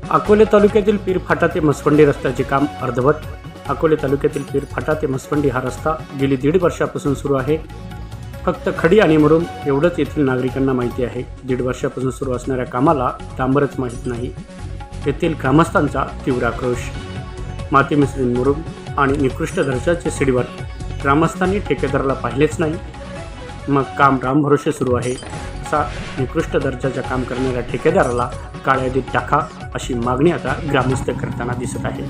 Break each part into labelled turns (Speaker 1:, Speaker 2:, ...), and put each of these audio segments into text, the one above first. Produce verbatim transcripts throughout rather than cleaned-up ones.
Speaker 1: अकोले तालुक्यातील पीरफाटा ते म्हसवंडी रस्त्याचे काम अर्धवट. अकोले तालुक्यातील पीरफाटा ते म्हसवंडी हा रस्ता गेली दीड वर्षापासून सुरू आहे. फक्त खडी आणि मुरुम एवढंच येथील नागरिकांना माहिती आहे. दीड वर्षापासून सुरू असणाऱ्या कामाला डांबरच माहीत नाही. येथील ग्रामस्थांचा तीव्र आक्रोश. माती मिसळून मुरुम आणि निकृष्ट दर्जाचे सीडीवर ग्रामस्थांनी ठेकेदाराला पाहिलेच नाही. मग काम रामभरोसे सुरू आहे. असा निकृष्ट दर्जाचं काम करणाऱ्या ठेकेदाराला काळ्या यादीत टाका अशी मागणी आता ग्रामस्थ करताना दिसत आहे.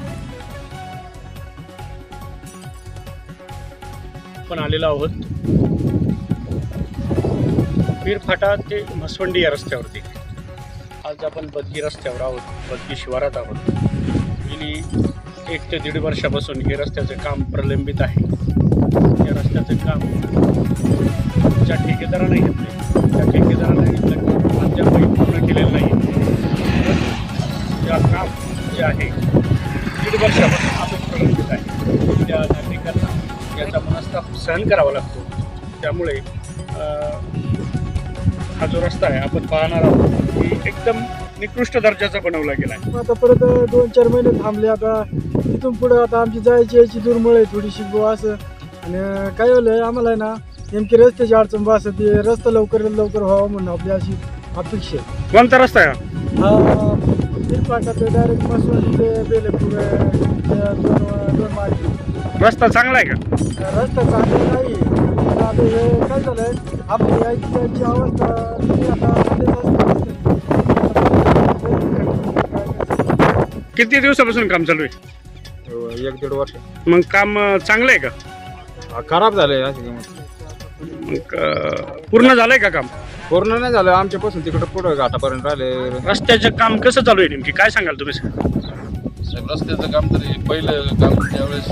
Speaker 1: आपण आलेलो आहोत पीरफाटा ते म्हसवंडी या रस्त्यावरती. आज आपण बदगी रस्त्यावर आहोत, बदगी शिवारात आहोत. गेली एक ते दीड वर्षापासून हे रस्त्याचं काम प्रलंबित आहे. या रस्त्याचं काम ज्या ठेकेदाराने घेतलं त्या ठेकेदाराने घेतलं काम अद्यापही पूर्ण केलेलं नाही. या काम जे आहे दीड वर्षापासून आपण प्रलंबित आहे. त्या नागरिकांना याचा मनस्ताप सहन करावा लागतो. त्यामुळे हा जो रस्ता आहे आपण पाहणार आहोत की एकदम निकृष्ट दर्जाचा बनवला गेला आहे.
Speaker 2: आता परत दोन चार महिने थांबले. आता तिथून पुढे आता आमची जायची यायची दुर्मळ आहे थोडीशी बुवा असं. आणि काय झालं आम्हाला आहे ना नेमकी रस्त्याची अडचण बस ते रस्ता लवकर लवकर व्हावा म्हणून आपली अशी अपेक्षा आहे.
Speaker 1: कोणता रस्ता आहे
Speaker 2: हा पीरफाटा ते डायरेक्ट मसवंडी ते बेलेपूर दोन दोन मार्गी
Speaker 1: रस्ता चांगला आहे का?
Speaker 2: रस्ता चांगला नाही. आता हे काय झालंय आपली यायची जायची अवस्था ती आता
Speaker 1: किती दिवसापासून काम चालू आहे?
Speaker 3: एक दीड वर्ष.
Speaker 1: मग काम चांगलं आहे का?
Speaker 3: खराब झालंय.
Speaker 1: मग अं, पूर्ण झालंय का काम?
Speaker 3: पूर्ण नाही झालं. आमच्यापासून तिकडे पुढे घाटापर्यंत राहिले.
Speaker 1: रस्त्याचं काम कसं चालू आहे नेमकी काय सांगाल तुम्ही?
Speaker 4: साहेब रस्त्याचं काम तरी पहिलं काम त्यावेळेस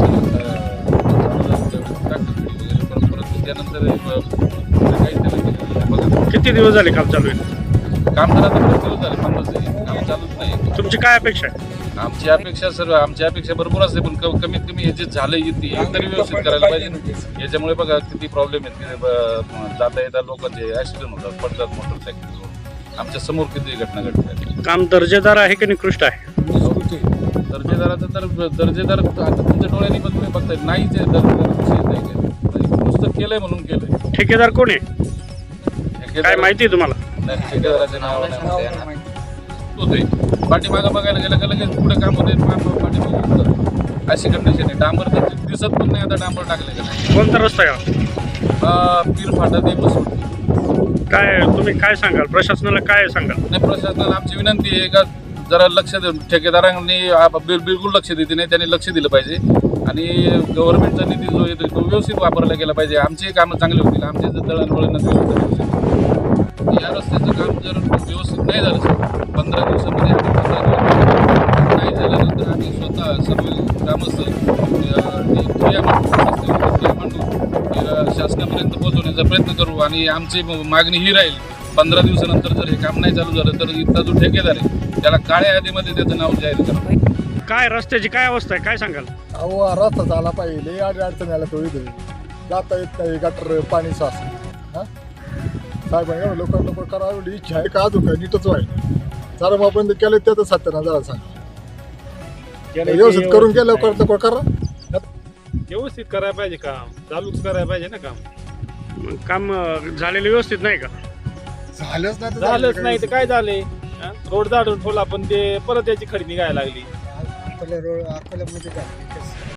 Speaker 4: परत परत त्यानंतर काही त्याला
Speaker 1: किती दिवस झाले काम चालू आहे?
Speaker 4: काम तर आता बरेच दिवस झाले पण काम चालूच नाही.
Speaker 1: तुमची काय अपेक्षा आहे?
Speaker 4: आमची अपेक्षा सर्व आमची अपेक्षा भरपूर असते पण क- कमीत कमी हे जे झालं ती तरी व्यवस्थित करायला पाहिजे ना. याच्यामुळे बघा किती प्रॉब्लेम आहेत. किती ब- जाता येता लोकांचे ॲक्सिडेंट होतात, पडतात मोटरसायकल. आमच्या समोर किती घटना घडतात.
Speaker 1: काम दर्जेदार आहे की निकृष्ट आहे?
Speaker 4: दर्जेदाराचं तर दर्जेदार आता तुमच्या डोळ्यांनी पण तुम्ही बघताय नाही. ते दर्जेदार विषय नाही काय नुसतं केलंय म्हणून केलंय.
Speaker 1: ठेकेदार कोण आहे काय
Speaker 4: ठेकेदार-
Speaker 1: माहिती आहे तुम्हाला?
Speaker 4: नाही, ठेकेदाराचं नाव नाही होते. पाठीमागं बघायला गेलं का लगेच पुढे काम होते पाठीमागं अशी कंडिशन आहे. डांबर तर दिसत पण नाही. आता डांबर टाकले का नाही.
Speaker 1: कोणता रस्ता आहे
Speaker 4: पीरफाटा ते बसून
Speaker 1: काय तुम्ही काय सांगाल? प्रशासनाला काय सांगाल?
Speaker 4: नाही प्रशासनाला आमची विनंती आहे का जरा लक्ष देऊन ठेकेदारांनी आप- बिल बिलकुल लक्ष देते नाही. त्यांनी लक्ष दिलं पाहिजे आणि गव्हर्नमेंटचा निधी जो येतो तो व्यवस्थित वापरला गेला पाहिजे. आमची कामं चांगली होतील. आमचे जर दळणवळण व्यवस्थित या रस्त्याचं काम जर व्यवस्थित नाही झालं सर पंधरा दिवसामध्ये आम्ही पंधरा दिवस नाही झाल्यानंतर आम्ही स्वतः सर्व ग्रामस्थ क्रिया मांडून शासनापर्यंत पोहोचवण्याचा प्रयत्न करू. आणि आमची मागणी ही राहील पंधरा दिवसानंतर जर हे काम नाही चालू झालं तर इथला जो ठेकेदार आहे त्याला काळ्या यादीमध्ये त्याचं नाव जाहीर करा.
Speaker 1: काय रस्त्याची काय अवस्था आहे काय सांगाल?
Speaker 2: अहो रस्ता झाला पाहिजे. अडी अडचण यायला तो इथे जाता येत नाही. गटर पाणी सास हां साहेबांनी लोक लोक करा एवढी इच्छा आहे का अजून काय नीटच व्हायला. जरा मग बंद केलं त्याचं सत्याना सांगा व्यवस्थित करून केलं करतो करा.
Speaker 5: व्यवस्थित करायला पाहिजे काम. चालूच करायला पाहिजे ना काम.
Speaker 1: मग काम अं, झालेलं व्यवस्थित नाही का?
Speaker 2: झालंच नाही तर
Speaker 5: झालंच नाही तर काय झाले रोड जाडून ठेवला पण ते परत त्याची खडी निघायला लागली.
Speaker 2: अकोला रोड अकोल्यामध्ये काय